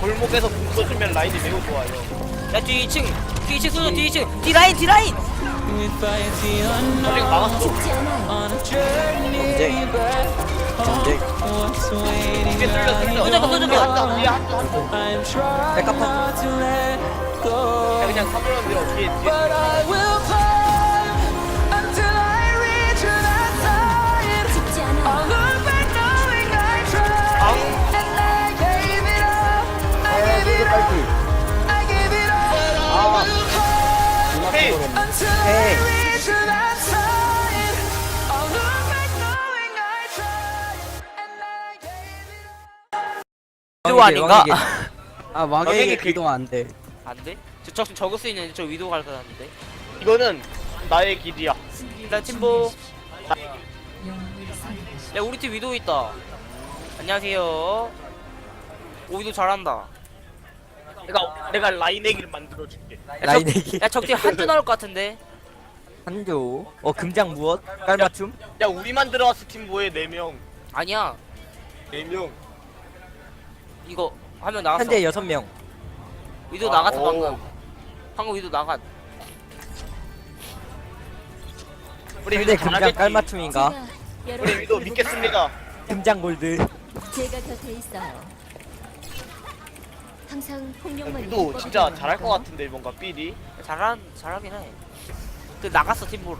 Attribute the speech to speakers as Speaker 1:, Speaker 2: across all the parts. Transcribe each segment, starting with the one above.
Speaker 1: 골목에서 궁 쏘주면 라인이 매우 좋아요.
Speaker 2: 야 뒤 2층 뒤 2층 쏘줘 뒤 2층 뒤 라인 뒤 라인.
Speaker 1: 저리가 막았어.
Speaker 3: 죽지 않아요.
Speaker 4: 전쟁
Speaker 1: 뒤에 뚫려 뚫려.
Speaker 2: 쏘줘.
Speaker 1: 뒤에 한쪽.
Speaker 4: 백합
Speaker 1: 야 그냥 사물론 밀어 뒤에.
Speaker 3: 죽지 않아요.
Speaker 1: 헤이.
Speaker 4: 헤이
Speaker 2: 위도 아닌가?
Speaker 4: 아 왕에게 기도 안돼.
Speaker 2: 안 돼? 저 적을 수 있는데 저 위도 갈 것 같은데.
Speaker 1: 이거는 나의 길이야.
Speaker 2: 일단 팀보. 야 우리 팀 위도 있다. 안녕하세요. 오 위도 잘한다.
Speaker 1: 내가 라인 얘기를 만들어줄게.
Speaker 4: 라인에게
Speaker 2: 야 적팀 한조 나올 것 같은데.
Speaker 4: 한조 금장 무엇? 깔맞춤?
Speaker 1: 야 우리만 들어왔어 팀 뭐해 4명.
Speaker 2: 아니야
Speaker 1: 4명.
Speaker 2: 이거 한 명 나갔어.
Speaker 4: 현재 6명.
Speaker 2: 위도
Speaker 1: 아,
Speaker 2: 나갔어
Speaker 1: 오.
Speaker 2: 방금 위도 나갔.
Speaker 1: 우리
Speaker 4: 현재
Speaker 1: 위도
Speaker 4: 금장
Speaker 1: 잘하겠지.
Speaker 4: 깔맞춤인가?
Speaker 1: 우리 위도 믿겠습니다.
Speaker 4: 금장 골드.
Speaker 3: 제가 곁에 있어요. 항상 폭력만
Speaker 1: 위도 진짜 잘할 것 같은데 뭔가 삘이.
Speaker 2: 잘하긴 해. 그 나갔어 팀보를.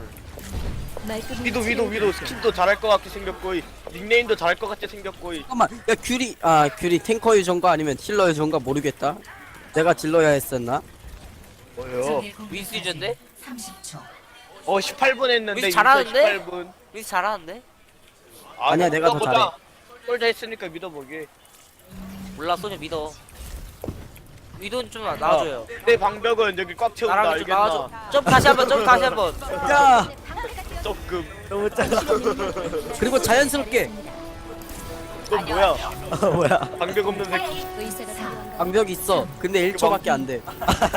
Speaker 1: 위도 스킨도 잘할 것 같게 생겼고 닉네임도 잘할 것 같게 생겼고.
Speaker 4: 잠깐만, 야 귤이 탱커 유전가 아니면 힐러 유전가 모르겠다. 내가 딜러야 했었나?
Speaker 1: 뭐요?
Speaker 2: 윈스 유저인데?
Speaker 1: 18분 했는데
Speaker 2: 위도 잘하는데?
Speaker 1: 18분.
Speaker 2: 윈스 잘하는데?
Speaker 4: 아니야, 내가 더 잘해.
Speaker 1: 꼴자 했으니까 믿어보게.
Speaker 2: 몰라 소녀 믿어. 위도는 좀 나와줘요.
Speaker 1: 내 방벽은 여기 꽉 채운다.
Speaker 2: 나랑 좀 나와줘.
Speaker 1: 알겠나?
Speaker 2: 점 다시 한번.
Speaker 4: 야,
Speaker 1: 조금.
Speaker 4: 너무 작아. 그리고 자연스럽게.
Speaker 1: 너 뭐야?
Speaker 4: 뭐야?
Speaker 1: 방벽 없는 새끼.
Speaker 3: 의사가 필요한가?
Speaker 4: 방벽 있어. 근데 1초밖에 안 돼.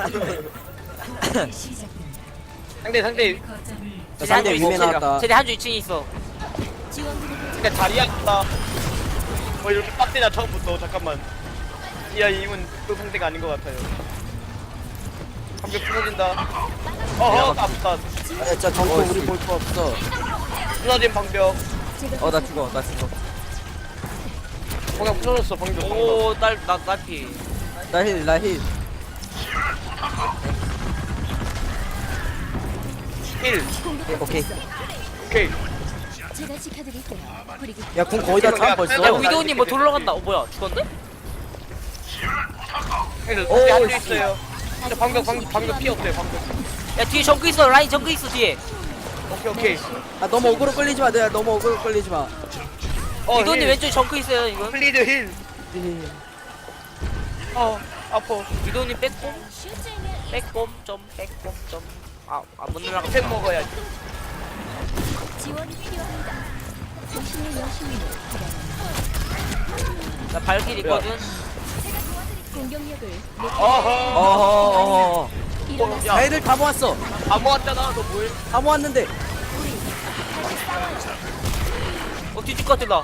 Speaker 1: 상대
Speaker 4: 상대 위메 나왔다.
Speaker 2: 쟤네 한조 2층에 있어.
Speaker 1: 근데 다리야 있다. 뭐 이렇게 빡대냐 처음부터. 잠깐만. 야 이건 또 상대가 아닌 것 같아요. 방벽 부서진다. 아프다.
Speaker 4: 아, 진짜 정코 우리 볼 거 없어.
Speaker 1: 부서진 방벽.
Speaker 4: 나 죽어.
Speaker 1: 그냥 부서졌어 방벽.
Speaker 2: 오, 날피.
Speaker 4: 나 힐.
Speaker 1: 힐.
Speaker 4: 오케이.
Speaker 1: 오케이.
Speaker 3: 제가 지켜드릴게요. 그리고
Speaker 4: 야, 궁 거의 다 차 벌써.
Speaker 2: 야, 위도우님 뭐 돌러 간다. 뭐야, 죽었네?
Speaker 1: 힐.
Speaker 4: 오,
Speaker 1: 앉아 있어요. 근데 방벽 피 없대 방벽.
Speaker 2: 야, 뒤에 정크 있어. 라인 정크 있어, 뒤에.
Speaker 1: 오케이.
Speaker 4: 아, 너무 어그로 끌리지 마. 내가 너무 어그로 끌리지 마.
Speaker 2: 위도우님
Speaker 1: 힐.
Speaker 2: 왼쪽에 정크 있어요, 이거.
Speaker 1: 플리드 힐. 아파.
Speaker 2: 위도우님 빼꼼. 못 날아가.
Speaker 1: 팩 먹어야지.
Speaker 3: 지원이 필요합니다. 당신의 여신을
Speaker 2: 나 발길 있거든.
Speaker 3: 공격력을
Speaker 4: 어허.
Speaker 3: 일어나서
Speaker 1: 야.
Speaker 4: 애들 다 모았어.
Speaker 1: 다 모았잖아. 너 뭐해?
Speaker 4: 다 모았는데.
Speaker 2: 뒤질 것 같아, 나.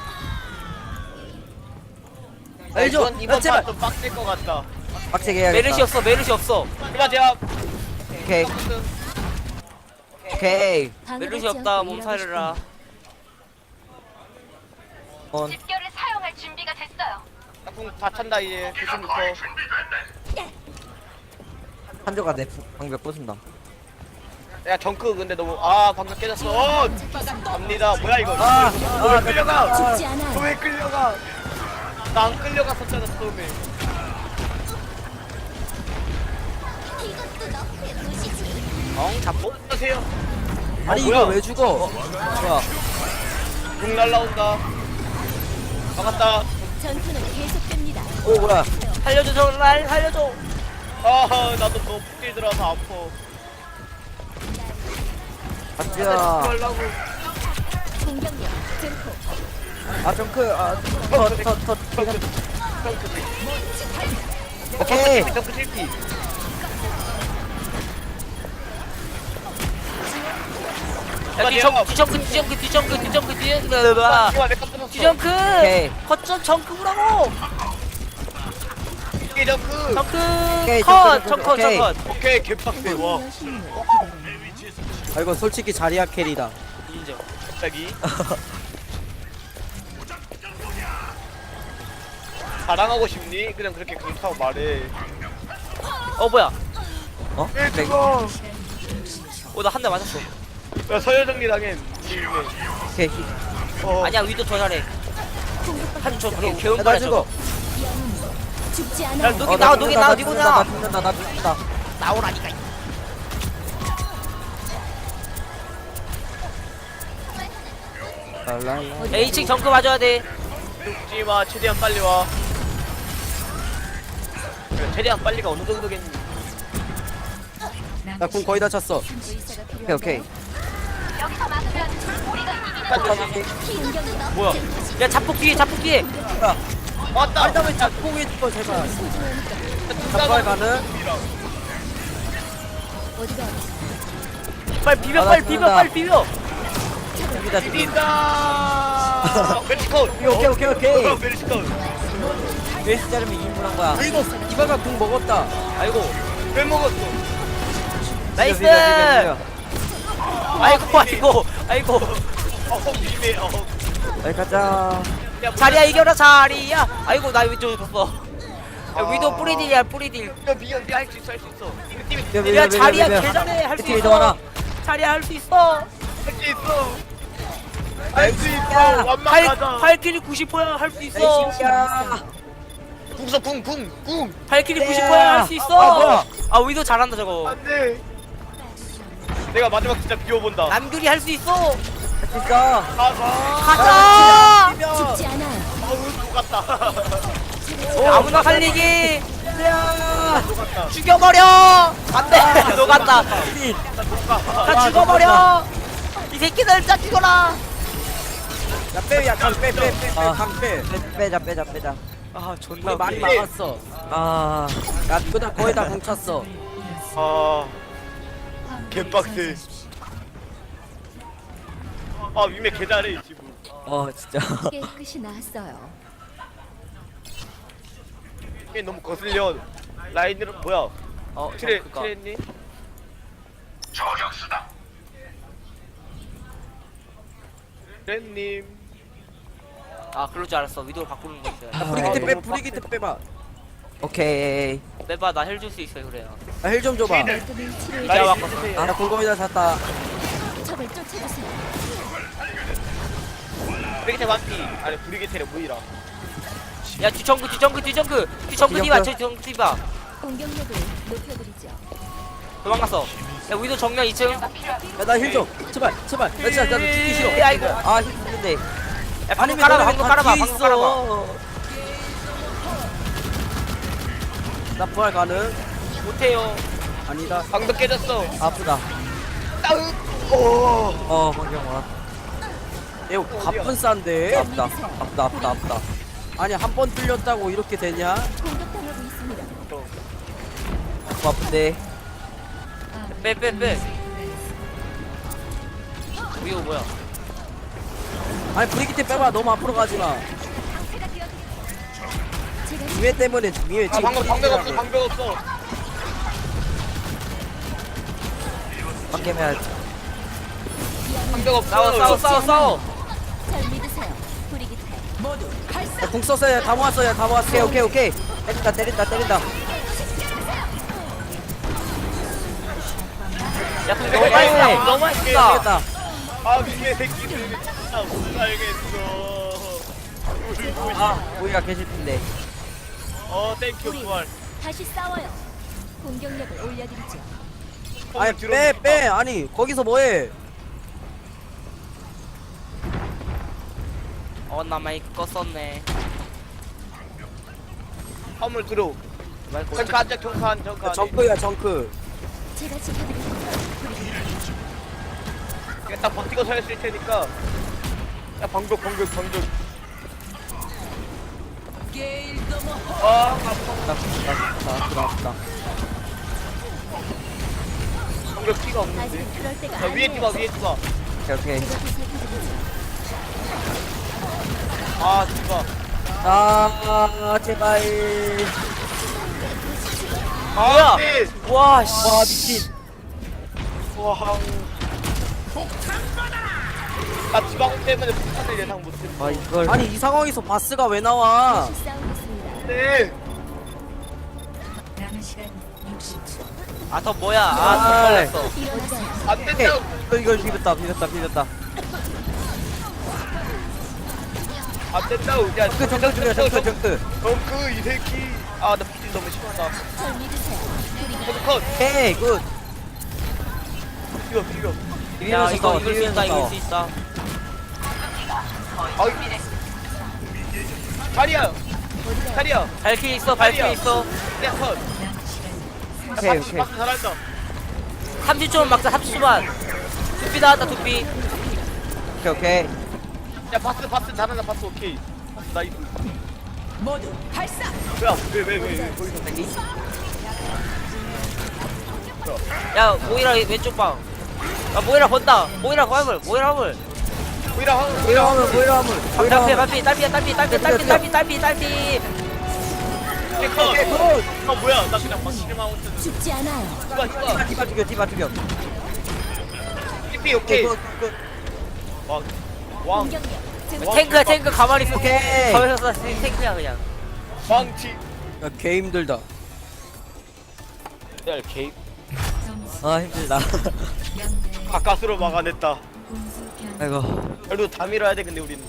Speaker 4: 알죠?
Speaker 1: 이번
Speaker 4: 제발.
Speaker 1: 판좀 빡셀 것 같다.
Speaker 4: 빡세게 해야겠다.
Speaker 2: 메르시 없어.
Speaker 1: 이봐 제가
Speaker 4: 오케이.
Speaker 2: 메르시 없다, 몸살이라.
Speaker 5: 집결을 사용할 준비가 됐어요.
Speaker 1: 다 찬다 이제. 조심부터.
Speaker 4: 한조가 내 방벽 부순다.
Speaker 1: 야 정크 근데 너무 방금 깨졌어. 갑니다. 뭐야 이거? 왜 끌려가?
Speaker 3: 죽지 않아요.
Speaker 1: 너 왜 끌려가? 나 안 끌려갔었잖아 처음에.
Speaker 2: 잡고?
Speaker 1: 안녕하세요.
Speaker 4: 아니
Speaker 1: 뭐야?
Speaker 4: 이거 왜 죽어? 뭐야?
Speaker 1: 궁 날라온다. 막았다.
Speaker 3: 전투는 계속됩니다.
Speaker 4: 오 뭐야?
Speaker 2: 살려줘, 날 살려줘.
Speaker 1: 나도 너무 푹 들어서 아파.
Speaker 4: 가자.
Speaker 1: 하려고.
Speaker 3: 공격력 증폭.
Speaker 4: 정크. 더.
Speaker 1: 정크.
Speaker 4: 오케이.
Speaker 1: 정크 실패.
Speaker 2: 야, 뒤정크 뒤에. 뒤정크.
Speaker 4: 오케이.
Speaker 2: 거점 정크라고.
Speaker 1: 정크 정크.
Speaker 2: 정크
Speaker 4: 오케이,
Speaker 2: 컷!
Speaker 4: 정크,
Speaker 2: 정컷
Speaker 4: 오케이.
Speaker 2: 정컷
Speaker 1: 오케이 개빡세 와.
Speaker 4: 아 이건 솔직히 자리야 캐리다.
Speaker 2: 인정.
Speaker 1: 갑자기. 자랑하고 싶니? 그냥 그렇게 그렇다고 말해.
Speaker 2: 어 뭐야?
Speaker 6: 어?
Speaker 2: 나 한 대 맞았어.
Speaker 1: 야 서열정리 당해.
Speaker 6: 오케이.
Speaker 2: 아니야 위도 더 잘해. 한저 개운
Speaker 4: 나
Speaker 2: 거야
Speaker 4: 죽어.
Speaker 2: 저거.
Speaker 3: 죽지
Speaker 2: 야
Speaker 3: 않아.
Speaker 2: 누기 나와 누기 나와 누구
Speaker 6: 나
Speaker 2: 나와.
Speaker 6: 죽는다 나 죽는다.
Speaker 2: 나오라니까.
Speaker 6: 랄랄라.
Speaker 2: 야 2층 정크 맞아야 돼.
Speaker 1: 죽지마 최대한 빨리 와. 그래, 최대한 빨리가 어느 정도겠니?
Speaker 4: 나 궁 거의 다 찼어.
Speaker 3: 의사가
Speaker 6: 오케이 오케이.
Speaker 3: 필요한가요?
Speaker 5: 여기서 막으면 우리가 이기는
Speaker 3: 공격력
Speaker 1: 뭐야?
Speaker 2: 야 자폭 뒤에 자폭 뒤에.
Speaker 1: 왔다.
Speaker 4: 아니 나왜 짝꿍이 죽어 제발.
Speaker 3: 소중하니까
Speaker 4: 잡발 가는.
Speaker 3: 어디가
Speaker 2: 빨리 비벼
Speaker 6: 아, 나
Speaker 2: 빨리 비벼
Speaker 6: 죽는다.
Speaker 2: 빨리 비벼.
Speaker 4: 죽이다 죽이.
Speaker 1: 뛴다. 멜시컷.
Speaker 6: 오케이 오케이 오케이.
Speaker 1: 멜시컷.
Speaker 6: 웨이스 자르면 2인분 한 거야.
Speaker 4: 이거 이바가 궁 먹었다.
Speaker 2: 아이고
Speaker 1: 왜 먹었어?
Speaker 2: 나이스.
Speaker 6: 비벼, 비벼,
Speaker 2: 아이고 아이고 아이고.
Speaker 1: 미매.
Speaker 6: 여기 가자.
Speaker 2: 자리야 이겨라 자리야. 아이고 나 위도 졌어. 야, 위도 뿌리딜이야 뿌리딜.
Speaker 1: 야 미안 할수 있어 할 수 있어. 우리 팀이
Speaker 6: 비벼, 비벼,
Speaker 2: 야
Speaker 6: 비벼,
Speaker 2: 자리야
Speaker 6: 비벼.
Speaker 2: 개잘해 할 수
Speaker 6: 팀이
Speaker 2: 있어.
Speaker 6: 더 많아.
Speaker 2: 자리야 할 수 있어.
Speaker 1: 할 수 있어. 할 수 있어. 완막하자.
Speaker 2: 발키리 90%야 할 수 있어.
Speaker 6: 야.
Speaker 1: 궁서 궁.
Speaker 2: 발키리
Speaker 6: 네.
Speaker 2: 90%야 할 수 있어.
Speaker 6: 아, 뭐야.
Speaker 2: 아 위도 잘한다 저거.
Speaker 1: 안돼. 내가 마지막 진짜 비워본다.
Speaker 2: 남규리 할 수 있어.
Speaker 6: 진짜.
Speaker 2: 가자.
Speaker 3: 죽지 않아.
Speaker 1: 어우 똑같다.
Speaker 2: 아무나 살리기.
Speaker 6: 야.
Speaker 1: 똑같다.
Speaker 2: 죽여버려. 안돼. 녹았다. 다 죽어버려. 이 새끼들 다 죽어라.
Speaker 4: 야 빼, 야 강 빼, 빼, 빼,
Speaker 6: 아.
Speaker 4: 강 빼.
Speaker 6: 빼자.
Speaker 2: 아 존나
Speaker 4: 우리 많이
Speaker 2: 웃기네.
Speaker 4: 막았어.
Speaker 6: 아.
Speaker 4: 야 그다 거의 다 궁 찼어.
Speaker 1: 아 개빡세. 아 위메 개잘해 지금.
Speaker 6: 진짜.
Speaker 3: 깨끗이 나았어요.
Speaker 1: 이게 너무 거슬려. 라인으로 뭐야? 트레
Speaker 2: 그니까.
Speaker 1: 트레님? 트레님.
Speaker 2: 아 그럴 줄 알았어. 위도를 바꾸는 거 있어요.
Speaker 4: 브리기트 빼,
Speaker 1: 너무
Speaker 4: 브리기트 빼봐.
Speaker 6: 오케이.
Speaker 2: 빼봐 나 헬 줄 수 있어요 그래요.
Speaker 4: 나 힐 좀 줘봐.
Speaker 3: 말끔히 치료해
Speaker 2: 나
Speaker 1: 라인
Speaker 2: 바꿨어.
Speaker 1: 해주세요.
Speaker 4: 나 궁 거의 다 찼다.
Speaker 3: 적을 쫓아주세요.
Speaker 1: 브리기테 완피. 아니 브리기테를 무이라.
Speaker 2: 야 뒤정크 디바 저 뒤정크 디바
Speaker 3: 공격력을 높여드리죠.
Speaker 2: 도망갔어. 야 위도 정면 2층. 야
Speaker 4: 야 나 힐 좀. 제발. 나 진짜 나도 죽기 싫어.
Speaker 2: 아이고.
Speaker 6: 아 힘든데.
Speaker 2: 방금 깔아봐 방금 깔아봐
Speaker 4: 뒤에
Speaker 2: 방금 깔아봐.
Speaker 4: 나 부활 가능?
Speaker 2: 못해요.
Speaker 4: 아니다.
Speaker 1: 방도 깨졌어.
Speaker 6: 아프다.
Speaker 1: 따으. 오.
Speaker 6: 환경 와.
Speaker 4: 이거 가쁜 싼데.
Speaker 6: 아프다.
Speaker 4: 아니 한 번 뚫렸다고 이렇게 되냐?
Speaker 3: 공격당하고 있습니다.
Speaker 6: 아픈데.
Speaker 2: 빼. 위도 뭐야?
Speaker 4: 아니 브리기트 빼봐. 너무 앞으로 가지 마.
Speaker 3: 제가
Speaker 4: 위에 때문에 위에
Speaker 1: 아
Speaker 4: 지금
Speaker 1: 방금 방벽 없어 방벽 없어.
Speaker 6: 방개면
Speaker 1: 방벽 없어.
Speaker 2: 싸워.
Speaker 3: 잘 믿으세요. 브리기테.
Speaker 4: 야, 궁 썼어요. 다 모았어요. 다 모았어.
Speaker 6: 오케이. 때린다.
Speaker 2: 야 근데 너무 많이 써. 너무 많이 써.
Speaker 4: 되겠다.
Speaker 1: 아 위메 새끼들 진짜 못 살겠어.
Speaker 6: 우리가 계실 텐데.
Speaker 1: 땡큐
Speaker 3: 우리
Speaker 1: 부활.
Speaker 3: 다시 싸워요. 공격력을 올려드리죠.
Speaker 4: 아니 빼. 아니 거기서 뭐해?
Speaker 2: 나 마이크 껐었네.
Speaker 1: 화물 들어.
Speaker 2: 마이크
Speaker 1: 정크 앉아 정크 안 정크 안.
Speaker 4: 정크야 정크.
Speaker 3: 제가 지켜드립니다.
Speaker 1: 그냥 딱 버티고 서 있을 테니까. 야 방벽. 아
Speaker 6: 아프다.
Speaker 1: 방벽 피가 없는데.
Speaker 3: 아직은 그럴 때가
Speaker 1: 자 위에
Speaker 3: 아니에요.
Speaker 1: 뛰봐.
Speaker 6: 오케이.
Speaker 3: 제가 보살펴드리죠.
Speaker 1: 아 뛰봐.
Speaker 6: 아 제발.
Speaker 2: 뭐야?
Speaker 1: 네.
Speaker 2: 와 씨.
Speaker 6: 와 미친.
Speaker 1: 와. 나 지방 때문에 폭탄을 예상 못했어.
Speaker 6: 아 이걸.
Speaker 4: 아니 이 상황에서 바스가 왜 나와?
Speaker 3: 다시 싸우겠습니다.
Speaker 1: 네.
Speaker 2: 아 더 뭐야? 아더 걸렸어.
Speaker 3: 일어나세요.
Speaker 1: 안 된다.
Speaker 6: 이걸 비볐다 비볐다 비볐다.
Speaker 1: 안 된다. 야,
Speaker 6: 그 정크 중이야 정크 정크.
Speaker 1: 정크 이 새끼. 아, 나 피질 너무 심하다.
Speaker 3: 절 믿으세요. 우리
Speaker 1: 컷.
Speaker 6: 헤이 굿.
Speaker 1: 비벼.
Speaker 2: 야
Speaker 6: 비비면서
Speaker 2: 이거
Speaker 6: 싸워,
Speaker 2: 이길 수 있다
Speaker 6: 비비면서
Speaker 2: 이길
Speaker 6: 싸워.
Speaker 2: 수 있다.
Speaker 1: 아이. 다리야. 다리야.
Speaker 2: 발킬 있어 발킬 있어.
Speaker 1: 야, 컷.
Speaker 6: 오케이 오케이.
Speaker 1: 박스 잘한다.
Speaker 2: 30초만 막자 30초만. 두피 나왔다 두피.
Speaker 6: 오케이 오케이.
Speaker 1: 야, 바스 잘한다. 바스 오케이. 바스 나이스. 모두 발사. 뭐야? 왜 거기서
Speaker 2: 야 모이라 왼쪽 방. 야 모이라 건다. 모이라 화물 모이라 화물.
Speaker 1: 보이라 하고.
Speaker 6: 뭐이라 하면 뭐이라 하면.
Speaker 2: 딸피.
Speaker 1: 컷. 뭐야? 나 그냥 막 실망하고 있었는데.
Speaker 3: 죽지 않아요.
Speaker 1: 누가.
Speaker 6: 디바 죽여 디바 죽여.
Speaker 1: TP 오케이.
Speaker 6: 굿, 굿.
Speaker 1: 왕.
Speaker 3: 공격력 증.
Speaker 2: 탱크 가만히 있어.
Speaker 6: 오케이.
Speaker 2: 가만히 있어 탱크야 그냥.
Speaker 1: 왕치.
Speaker 4: 야, 개 힘들다.
Speaker 1: 야, 개.
Speaker 6: 아 힘들다.
Speaker 1: 가까스로 막아냈다.
Speaker 6: 아이고.
Speaker 1: 그래도 다 밀어야 돼. 근데 우리는.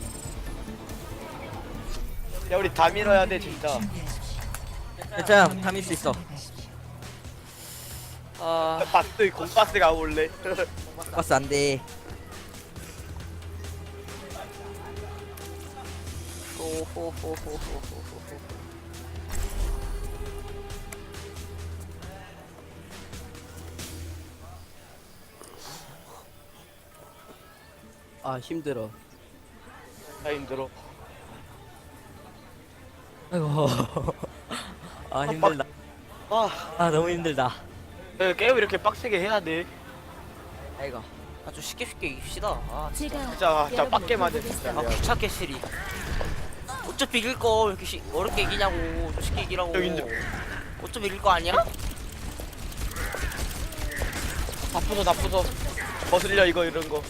Speaker 1: 야, 우리 다 밀어야 돼 진짜.
Speaker 6: 괜찮아 담일 수 있어.
Speaker 2: 아
Speaker 1: 바스 공바스가 올래.
Speaker 6: 버스 안 돼.
Speaker 4: 아 힘들어.
Speaker 1: 나 힘들어.
Speaker 6: 아이고. 아 힘들다. 아 너무 힘들다.
Speaker 1: 야, 게임 이렇게 빡세게 해야 돼.
Speaker 6: 아이고.
Speaker 2: 아주 쉽게 이깁시다. 아
Speaker 3: 제가
Speaker 1: 진짜
Speaker 3: 여러분을
Speaker 1: 빡게 맞아
Speaker 3: 보겠어요.
Speaker 1: 진짜.
Speaker 2: 귀찮게 시리. 어차피 이길 거 왜 이렇게 어렵게 이기냐고. 좀 쉽게 이기라고.
Speaker 1: 여기 인정.
Speaker 2: 어차피 이길 거 아니야?
Speaker 1: 다 부숴. 거슬려 이거 이런 거.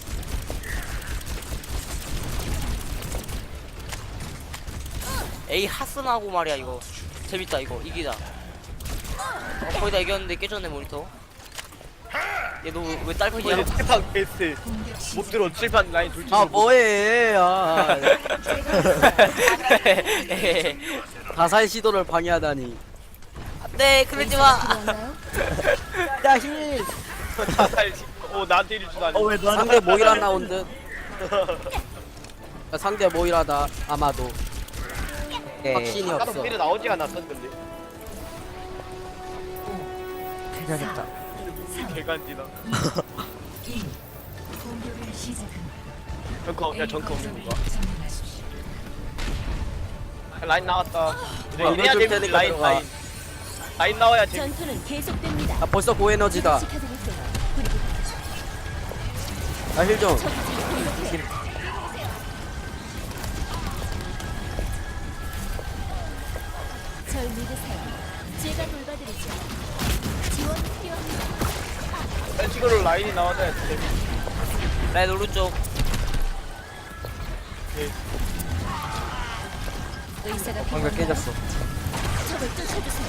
Speaker 2: 에이 하스나고 말이야 이거. 재밌다 이거 이기자. 거의 다 이겼는데 깨졌네 모니터. 얘 너 왜 딸피냐?
Speaker 1: 이제 칠판 베이스 못 들어. 칠판 라인 돌지.
Speaker 4: 아 뭐해? 아 가사의 시도를 방해하다니.
Speaker 2: 네 그러지 마.
Speaker 3: 필요한가요?
Speaker 6: 야 힘.
Speaker 1: 자살. 나한테 이리 주다니.
Speaker 6: 어왜 너한테?
Speaker 4: 상대 모이라 나온 듯. 야, 상대 모이라다 아마도. 확신이
Speaker 1: 아까도
Speaker 4: 없어.
Speaker 1: 미리 나오지 않았었는데.
Speaker 6: 괜찮겠다.
Speaker 1: 개간지나. 정크 없는 거야. 라인 나왔다.
Speaker 4: 뭐야,
Speaker 1: 이래야
Speaker 4: 이거 줄
Speaker 1: 되는데
Speaker 4: 테니까 들어가.
Speaker 1: 라인 나와야 재밌.
Speaker 3: 전투는 계속됩니다.
Speaker 4: 아 벌써 고에너지다.
Speaker 3: 지켜드릴게요. 그리고
Speaker 4: 나 힐 좀.
Speaker 3: 적이 공격해요. 절 믿으세요. 제가 돌봐드리죠. 지원 필요합니다.
Speaker 1: 벤치그로 라인이 나와야 돼.
Speaker 2: 라인 오른쪽.
Speaker 3: 의사가
Speaker 6: 방금
Speaker 3: 필요한가요?
Speaker 6: 깨졌어.
Speaker 3: 적을 쫓아주세요.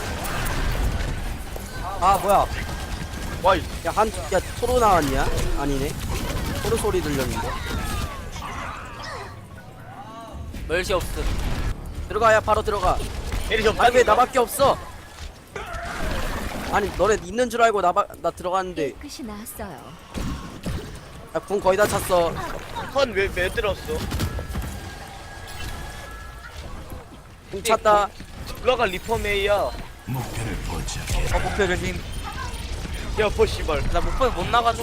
Speaker 6: 아 뭐야?
Speaker 1: 와이.
Speaker 4: 야 토로 나왔냐? 아니네. 토로 소리 들렸는데.
Speaker 2: 멸시 없음.
Speaker 4: 들어가야 바로 들어가.
Speaker 1: 에리 좀.
Speaker 4: 아니 왜 나밖에 없어? 아니 너네 있는 줄 알고 나 들어갔는데
Speaker 3: 끝이 나왔어요.
Speaker 4: 야, 궁 거의 다 찼어.
Speaker 1: 컨왜 들었어?
Speaker 4: 궁 찼다.
Speaker 1: 블러가 리퍼메이야.
Speaker 6: 목표 조심.
Speaker 1: 여포 씨발.
Speaker 2: 나 목표에 못 나가죠.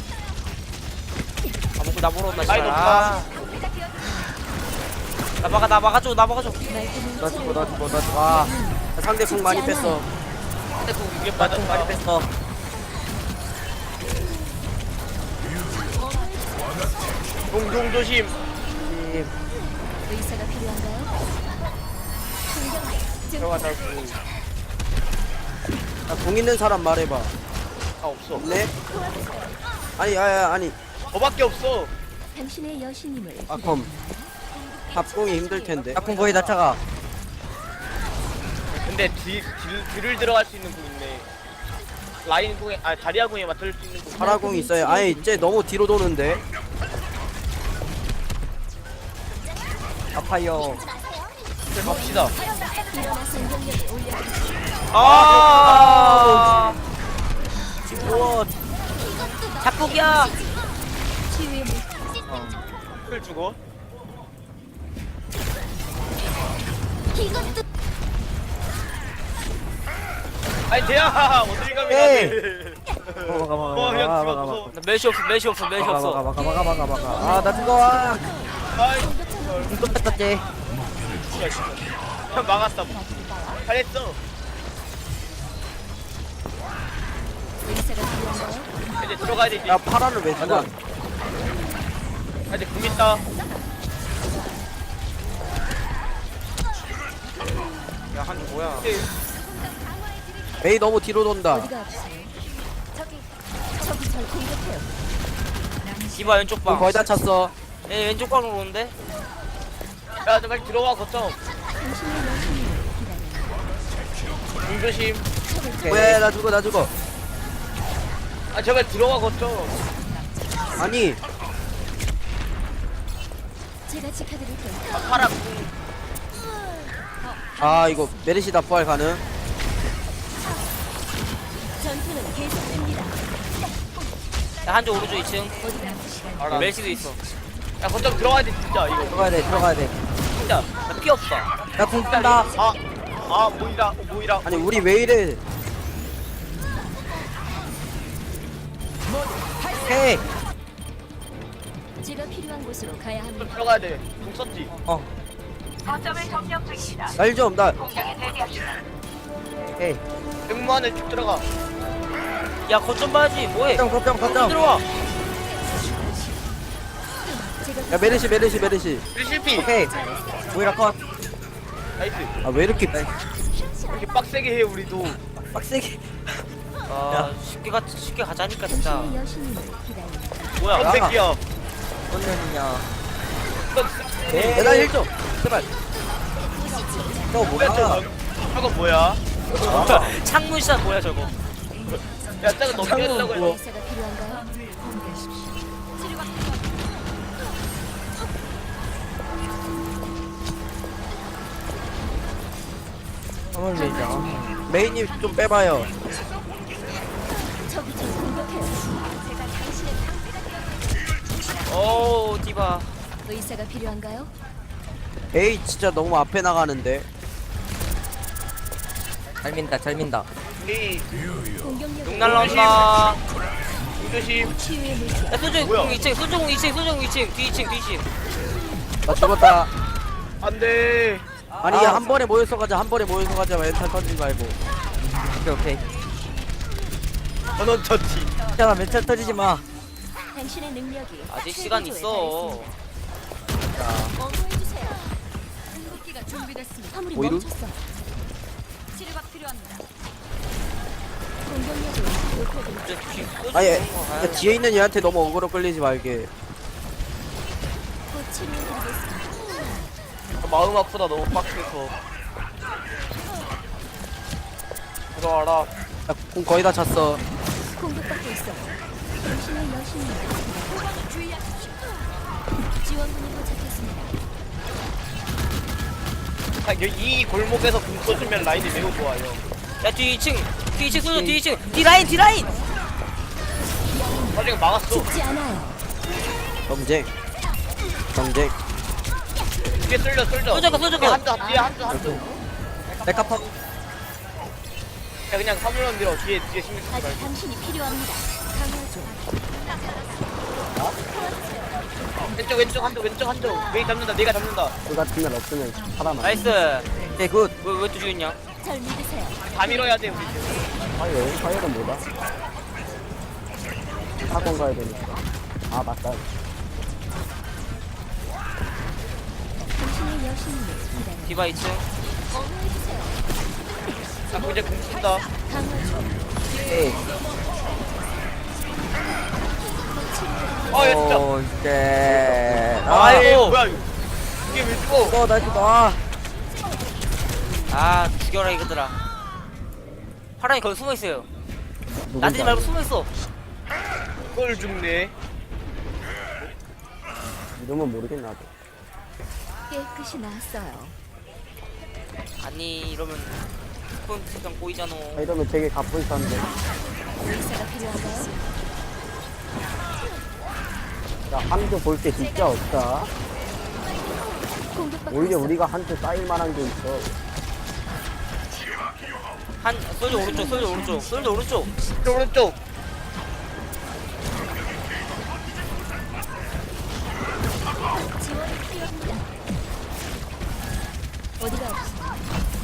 Speaker 2: 아 목표 나 보러 온다
Speaker 1: 라인
Speaker 2: 씨발.
Speaker 1: 없다.
Speaker 2: 아. 나 막아줘.
Speaker 3: 말끔히
Speaker 6: 나 죽어 나 죽어 나 죽어.
Speaker 4: 와 상대 궁 많이 뺐어.
Speaker 2: 근데 그
Speaker 1: 이게
Speaker 6: 나총 많이
Speaker 1: 맞았다.
Speaker 6: 뺐어.
Speaker 1: 동동 조심.
Speaker 3: 의사가 필요한가요? 공격력 증.
Speaker 1: 들어가자고.
Speaker 4: 공 있는 사람 말해봐.
Speaker 1: 아 없어.
Speaker 4: 없네? 아니.
Speaker 1: 저밖에 없어.
Speaker 3: 당신의 여신님을
Speaker 4: 아, 컴. 합공이 힘들 텐데.
Speaker 6: 약군 거의 다 차가.
Speaker 1: 근데 딜을 들어갈 수 있는 공 있네. 라인 공에 자리아 공에 맞출 수 있는 공.
Speaker 4: 파라공 있어요. 아니, 이제 너무 뒤로 도는데.
Speaker 6: 아파요.
Speaker 1: 갑시다.
Speaker 3: 일어나 생존력을 올려.
Speaker 1: 아.
Speaker 6: 우와.
Speaker 2: 작곡이야.
Speaker 3: 치유의 물.
Speaker 1: 을 주고. 아니 대야 어딜 가면
Speaker 6: 에이.
Speaker 1: 돼.
Speaker 6: 막아
Speaker 1: 그냥 집어 무서워.
Speaker 2: 나 메시 없어.
Speaker 6: 아, 나 뜨거워.
Speaker 1: 아이
Speaker 6: 이거 뺐었지.
Speaker 1: 그냥 막았다. 잘했어.
Speaker 3: 의사가 필요한가요?
Speaker 1: 이제 들어가야 되지.
Speaker 4: 야, 파라를 왜 죽어?
Speaker 1: 이제 공 있다.
Speaker 2: 야 한조 뭐야?
Speaker 4: 메이 너무 뒤로 돈다.
Speaker 3: 어디가 아프세요? 저기 절 공격해요.
Speaker 2: 디바 왼쪽
Speaker 4: 공
Speaker 2: 방.
Speaker 4: 거의 다 찼어.
Speaker 2: 얘 왼쪽 방으로 오는데?
Speaker 1: 야, 저 빨리 들어와 거점.
Speaker 3: 당신의 여신님을 기다려요.
Speaker 1: 공 조심.
Speaker 4: 왜, 나 죽어.
Speaker 1: 아, 제발 들어와 거점.
Speaker 4: 아니,
Speaker 3: 제가 지켜드릴게요.
Speaker 1: 아, 파라 공.
Speaker 4: 아, 이거 메르시다 부활 가능?
Speaker 3: 전투는 계속됩니다.
Speaker 2: 야 한조 오른쪽 2층.
Speaker 3: 어디가 아프시나요?
Speaker 1: 알아.
Speaker 2: 멜시도 있어.
Speaker 1: 야, 거점 들어가야 돼 진짜 이거.
Speaker 6: 들어가야 돼.
Speaker 2: 진짜 나 피 없어.
Speaker 6: 야군 뜬다.
Speaker 1: 모이라.
Speaker 4: 아니, 우리 왜 이래?
Speaker 6: 헤이.
Speaker 3: 제가 필요한 곳으로 가야
Speaker 1: 좀
Speaker 3: 합니다.
Speaker 1: 들어가야 돼. 공 썼지.
Speaker 4: 날 좀, 나.
Speaker 6: 헤이.
Speaker 1: 백무 안에 쭉 들어가.
Speaker 2: 야 거점 봐야지. 뭐해?
Speaker 6: 거점.
Speaker 2: 들어와.
Speaker 3: 제가
Speaker 4: 야, 메르시.
Speaker 1: 우리 실패.
Speaker 6: 오케이. 모이라 컷.
Speaker 1: 나이스.
Speaker 4: 아, 왜 이렇게.
Speaker 1: 이렇게 빡세게 해 우리도.
Speaker 6: 빡세게.
Speaker 2: 아 쉽게 가자니까 진짜.
Speaker 3: 당신의 여신님을 기다려요.
Speaker 2: 뭐야?
Speaker 1: 이 새끼야.
Speaker 6: 뭔 년이냐.
Speaker 1: 너
Speaker 4: 야, 나 1점. 제발.
Speaker 6: 저
Speaker 1: 뭐야 저거? 저거 뭐야?
Speaker 2: 창문샷 뭐야 저거?
Speaker 1: 야, 저거 넘겼다고 해.
Speaker 3: 의사가 필요한가요?
Speaker 6: 한번 밀자.
Speaker 4: 메이님 좀 빼봐요.
Speaker 3: 저기 절 공격해요.
Speaker 2: 오 디바.
Speaker 3: 의사가 필요한가요?
Speaker 4: 에이, 진짜 너무 앞에 나가는데.
Speaker 6: 잘 민다.
Speaker 1: 우리
Speaker 3: 공격력
Speaker 2: 용 날라온다.
Speaker 1: 공 조심.
Speaker 3: 치유의 물질.
Speaker 2: 야 소중
Speaker 1: 뭐야?
Speaker 2: 2층. 소중 2층. 뒤 2층.
Speaker 4: 나 죽었다.
Speaker 1: 안돼.
Speaker 4: 아니,
Speaker 6: 아.
Speaker 4: 한 번에 모여서 가자. 멘탈 터지지 말고.
Speaker 6: 오케이.
Speaker 1: 전원 처치.
Speaker 6: 괜찮아, 멘탈 터지지 마.
Speaker 3: 당신의 능력이
Speaker 2: 아직 시간 있어.
Speaker 3: 어머해주세요. 궁극기가 준비됐습니다. 화물이
Speaker 4: 오이루?
Speaker 3: 멈췄어. 치료가 필요합니다. 공격력을 높여드립니다.
Speaker 2: 진짜 뒤
Speaker 4: 아니,
Speaker 2: 소중 거
Speaker 4: 야,
Speaker 2: 가야
Speaker 4: 뒤에 있는 얘한테 너무 어그로 끌리지 말게.
Speaker 3: 곧 치료해드리겠습니다.
Speaker 1: 마음 아프다 너무 빡세서. 들어와라.
Speaker 4: 야, 공 거의 다 찼어.
Speaker 3: 공격받고 있어. 당신의 여신님. 주의하십시오. 지원군이 도착했습니다.
Speaker 1: 이 골목에서 공 쏘주면 라인이 매우 좋아요.
Speaker 2: 야뒤 2층 소중 뒤 2층. 뒤라인.
Speaker 1: 사실 막았어.
Speaker 3: 죽지 않아요.
Speaker 4: 경쟁.
Speaker 1: 뒤에 쏠려.
Speaker 2: 쏘져가.
Speaker 1: 뒤에 한조.
Speaker 6: 메카펑.
Speaker 1: 야 그냥 사물론 들어. 뒤에 신경 쓰지
Speaker 3: 아직
Speaker 1: 말고.
Speaker 3: 당신이 필요합니다. 강화조.
Speaker 1: 왼쪽 한조. 메이 잡는다. 내가 잡는다.
Speaker 4: 그 같은 날 없으면 사람 안.
Speaker 2: 나이스.
Speaker 6: 오케이, 굿.
Speaker 2: 왜또 죽였냐?
Speaker 3: 절 믿으세요.
Speaker 1: 다 밀어야 돼 우리.
Speaker 4: 파이어는 뭐다? 학원 가야 되니까. 아, 맞다.
Speaker 3: 당신의 여신님을 기다려.
Speaker 2: 디바 2층.
Speaker 3: 어머해주세요.
Speaker 1: 아 이제 공 쓴다.
Speaker 6: 오케이.
Speaker 1: 아야 진짜.
Speaker 6: 오, 이제.
Speaker 1: 아이
Speaker 2: 아이고.
Speaker 1: 뭐야 이거. 이게 왜 죽어?
Speaker 6: 나이스, 나.
Speaker 2: 아 죽여라 이거들아. 파랑이 거기 숨어있어요. 나대지 말고 숨어있어.
Speaker 1: 그걸 죽네.
Speaker 4: 이러면 모르겠나 봐.
Speaker 3: 깨끗이 나았어요.
Speaker 2: 아니 이러면 스폰 세상 꼬이잖아.
Speaker 4: 아, 이러면 되게 가뿐한데.
Speaker 3: 의사가 필요한가요?
Speaker 4: 야, 한조 볼 게 진짜 없다.
Speaker 3: 공격받고
Speaker 4: 오히려
Speaker 3: 있어.
Speaker 4: 우리가 한조 쌓일 만한 게 있어.
Speaker 2: 한 솔저 오른쪽 솔저 오른쪽 솔저 오른쪽.
Speaker 1: 오른쪽.
Speaker 3: 지원이 필요합니다. 어디가 없어?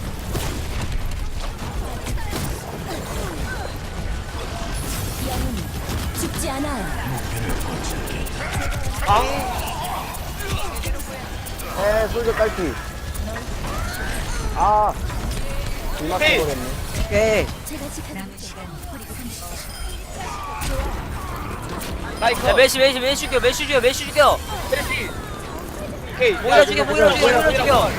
Speaker 3: 영웅은 죽지 않아요.
Speaker 1: 앙.
Speaker 4: 솔저 깔피. 아, 이만
Speaker 1: 헤이.
Speaker 4: 써버렸네.
Speaker 6: 오케이.
Speaker 3: 제가 지켜드릴게요.
Speaker 1: 나이스.
Speaker 2: 야 메시 죽여 메시 죽여.
Speaker 1: 메시. 오케이.
Speaker 2: 모이라 죽여 모이라 죽여.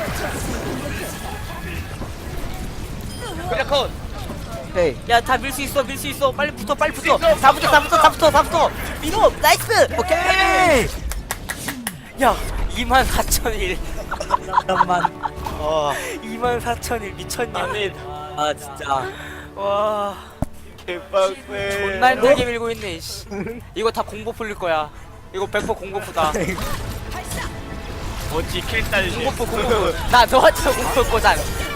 Speaker 1: 그냥 컷.
Speaker 6: 오케이.
Speaker 2: 야 다 밀 수 있어 빨리 붙어 다
Speaker 1: 있어.
Speaker 2: 붙어 밀어 나이스.
Speaker 6: 오케이.
Speaker 2: 야 24,001
Speaker 6: 잠깐만.
Speaker 1: 아
Speaker 2: 24,001 미쳤냐.
Speaker 1: 아니
Speaker 6: 아, 진짜.
Speaker 2: 와
Speaker 1: 개빡세.
Speaker 2: 존나 힘들게 밀고 있네 씨. 이거 다 공보 풀릴 거야. 이거 100% 공보프다.
Speaker 1: 어찌 킬딸.
Speaker 2: 공보프 나 너한테 공보프 거잖.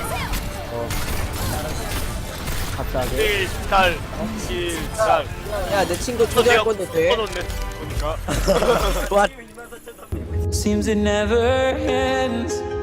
Speaker 4: 갑자기.
Speaker 1: 킬딸.
Speaker 4: 야, 내 친구 초대할 건데 돼?
Speaker 1: 꺼놓네. 보니까.
Speaker 6: 좋아.
Speaker 7: Seems it never ends.